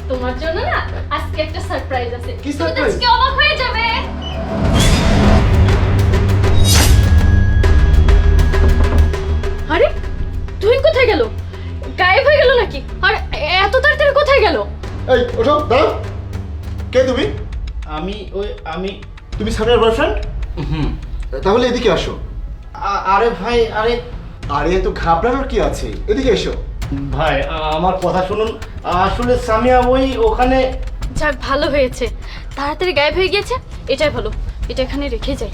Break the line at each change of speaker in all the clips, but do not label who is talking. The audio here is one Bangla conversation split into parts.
তোমার জন্য না আজকে একটা সারপ্রাইজ আছে।
কি
তুমি তো
surprise?
আজকে অবাক হয়ে যাবে। আরে তুহিন কোথায় গেল? গায়েব হয়ে গেল নাকি? আর এত তাড়াতাড়ি কোথায় গেল?
এই ওঠো দাঁড়াও। কে তুমি?
আমি
তুমি সামিয়ার বয়ফ্রেন্ড?
হুম।
তাহলে এদিকে আসো।
আরে ভাই,
আরে এত ঘাবড়ানোর কি আছে, এদিকে এসো।
ভাই আমার কথা শুনুন। আসলে সামিয়া ওখানে।
যাক ভালো হয়েছে, তাড়াতাড়ি গায়েব হয়ে গিয়েছে, এটাই ভালো। এটা এখানে রেখে যাই।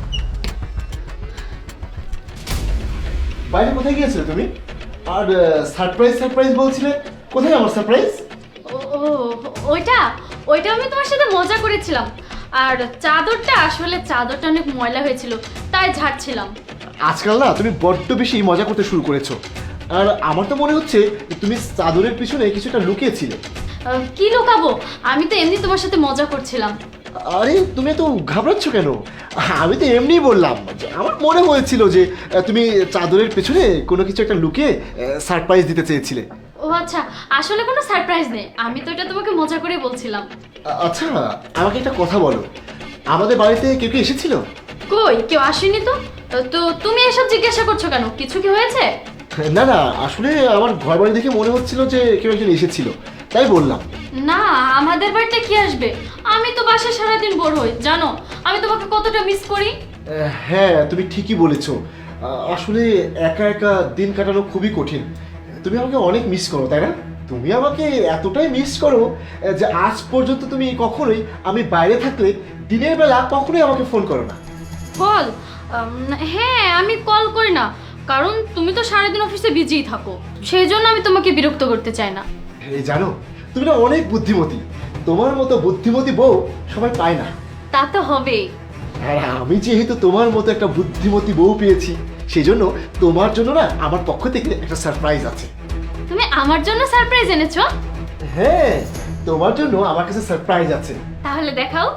বাইরে কোথায় গিয়েছিলে তুমি? আর সারপ্রাইজ বলছিলে, কোথায় আমার সারপ্রাইজ?
ও ওইটা ওইটা আমি তোমার সাথে মজা করেছিলাম। আর চাদরটা অনেক ময়লা হয়েছিল, তাই ঝাড়ছিলাম।
আজকাল না তুমি বড্ড বেশি মজা করতে শুরু করেছো। আর আমার তো মনে হচ্ছে তুমি চাদরের পিছনে কিছুটা লুকিয়েছিলে।
কি লুকাবো, আমি তো এমনি তোমার সাথে মজা করছিলাম।
আরে তুমি তো ঘাবড়াচ্ছ কেন? আমি তো এমনিই বললাম যে আমার মনে হয়েছিল যে তুমি চাদরের পেছনে কোনো কিছু একটা লুকিয়ে সারপ্রাইজ দিতে চেয়েছিলে।
ও আচ্ছা, আসলে কোনো সারপ্রাইজ নেই, আমি তো এটা তোমাকে মজা করে বলছিলাম।
আচ্ছা আমাকে একটা কথা বলো, আমাদের বাড়িতে কেউ কি এসেছিল?
কই, কেউ আসেনি তো। তো তুমি এসব জিজ্ঞাসা করছো কেন? কিছু কি হয়েছে?
না না, আসলে আমার ঘর বাড়ি দেখে মনে হচ্ছিল যে কেউ একজন এসেছিল, তাই বললাম।
না, আমাদের বাড়িতে কি আসবে? আমি তো বাসায় সারাদিন বোর হই, জানো আমি তোমাকে কতটা মিস করি।
হ্যাঁ তুমি ঠিকই বলেছো। আসলে একা একা দিন কাটানো খুবই কঠিন। তুমি আমাকে অনেক মিস করো, তাই না? তুমি আমাকে এতটাই মিস করো যে আজ পর্যন্ত তুমি কখনোই আমি বাইরে থাকলে দিনের বেলা কখনোই আমাকে ফোন করো না।
কল? হ্যাঁ, আমি কল করি না, কারণ তুমি তো সারাদিন অফিসে বিজিই থাকো, সেই জন্য আমি তোমাকে বিরক্ত করতে চাই না।
এই জানো, তুমি না অনেক বুদ্ধিমতী। তোমার মতো বুদ্ধিমতী বউ সবাই পায় না।
তা তো হবেই।
আর আমি যেহেতু তোমার মতো একটা বুদ্ধিমতী বউ পেয়েছি, সেই জন্য তোমার জন্য না আমার পক্ষ থেকে একটা সারপ্রাইজ আছে।
তুমি আমার জন্য সারপ্রাইজ এনেছো?
হ্যাঁ, তোমার জন্য আমার কাছে সারপ্রাইজ আছে।
তাহলে দেখাও।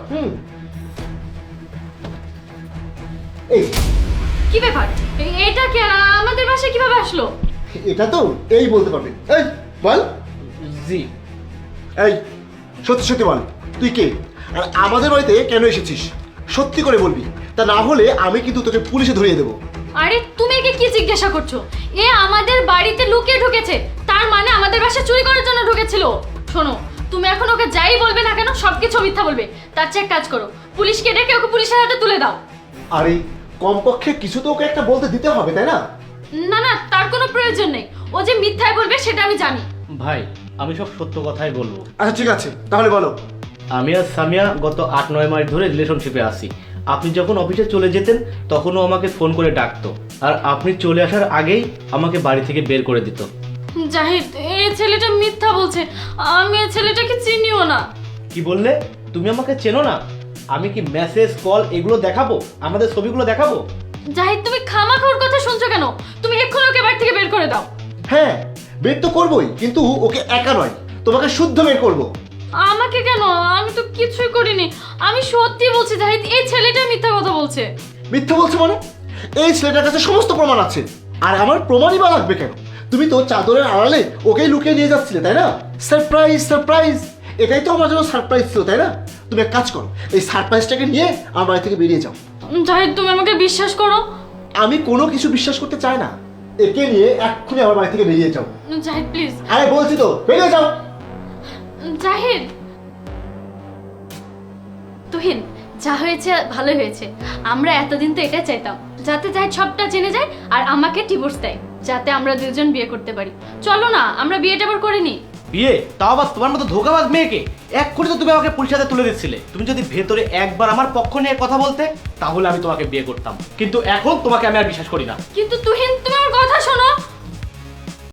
এই
কি ব্যাপার, এটা কি আমাদের বাসায় কিভাবে আসলো?
এটা তো এই বলতে পারবে। এই বল।
জি।
এই সত্যি সত্যি বল, তুই কে আর আমাদের বাড়িতে কেন এসেছিস? সত্যি করে বলবি, তা না হলে আমি কিন্তু তোকে পুলিশে ধরিয়ে দেবো।
আরে তুমি একে কি জিজ্ঞাসা করছো? এ আমাদের বাড়িতে লুকিয়ে ঢুকেছে, তার মানে আমাদের বাসায় চুরি করার জন্য ঢুকেছিল। শোনো, তুমি এখন ওকে যাই বলবে না কেন সবকিছু মিথ্যা বলবে। তার চেয়ে এক কাজ করো, পুলিশকে ডেকে ওকে পুলিশের হাতে তুলে দাও।
আরে কমপক্ষে কিছু তো ওকে একটা বলতে দিতে হবে, তাই না?
না না, তার কোনো প্রয়োজন নেই, ও যে মিথ্যাই বলবে সেটা আমি জানি।
ভাই আমি সব সত্য কথাই বলবো।
আচ্ছা ঠিক আছে, তাহলে বলো।
আমি আর সামিয়া গত 8-9 মাস ধরে রিলেশনশিপে আছি। আপনি যখন অফিসে চলে যেতেন তখনও আমাকে ফোন করে ডাকতো, আর আপনি চলে আসার আগেই আমাকে বাড়ি থেকে বের করে দিত।
জাহিদ, এই ছেলেটা মিথ্যা বলছে, আমি এই ছেলেটাকে চিনিও না।
কি বললে? তুমি আমাকে চেনো না? আমি কি মেসেজ কল এগুলো দেখাবো, আমাদের ছবিগুলো দেখাবো?
জাহিদ, তুমি খামাখা ওর কথা শুনছো কেন? তুমি এক্ষুনি ওকে বাড়ি থেকে বের করে দাও।
হ্যাঁ বের তো করবোই, কিন্তু ওকে একা নয়, তোমাকে শুদ্ধ বের করবো।
আমাকে কেন? আমি তো কিছুই করিনি, আমি সত্যি বলছি জাহিদ, এই ছেলেটা মিথ্যা কথা বলছে।
মিথ্যা বলছো মানে? এই ছেলেটার কাছে সমস্ত প্রমাণ আছে, আর আমার প্রমাণই বা লাগবে কেন? তুমি তো চাদরের আড়ালে ওকেই লুকিয়ে নিয়ে যাচ্ছিলে, তাই না? সারপ্রাইজ সারপ্রাইজ, এটাই তো আমার জন্য সারপ্রাইজ ছিল, তাই না? তুমি এক কাজ করো, এই সারপ্রাইজটাকে নিয়ে আমার বাড়ি থেকে বেরিয়ে যাও।
জাহিদ, তুমি আমাকে বিশ্বাস করো।
আমি কোনো কিছু বিশ্বাস করতে চাই না, একে নিয়ে এক্ষুনি আমার বাড়ি থেকে বেরিয়ে যাও।
জাহিদ প্লিজ।
আরে বলছি তো বেরিয়ে যাও।
জাহিদ। তুহিন, যা হয়েছে ভালো হয়েছে। আমরা এতদিন তো এটা চাইতাম, যাতে জাহিদ সবটা জেনে যায় আর আমাকে ডিভোর্স দেয়, যাতে আমরা দুজন বিয়ে করতে পারি। চলো না আমরা বিয়েটা আবার করে নিই।
বিয়ে? তাও আবার তোমার মতো ধোঁকাবাজ মেয়েকে? এক কোটি তো তুমি আমাকে পুলিশের হাতে তুলে দিচ্ছিলে। তুমি যদি ভেতরে একবার আমার পক্ষ নিয়ে কথা বলতে তাহলে আমি তোমাকে বিয়ে করতাম, কিন্তু এখন তোমাকে আমি আর বিশ্বাস করি না।
কিন্তু তুহিন, তুমি আমার কথা শোনো।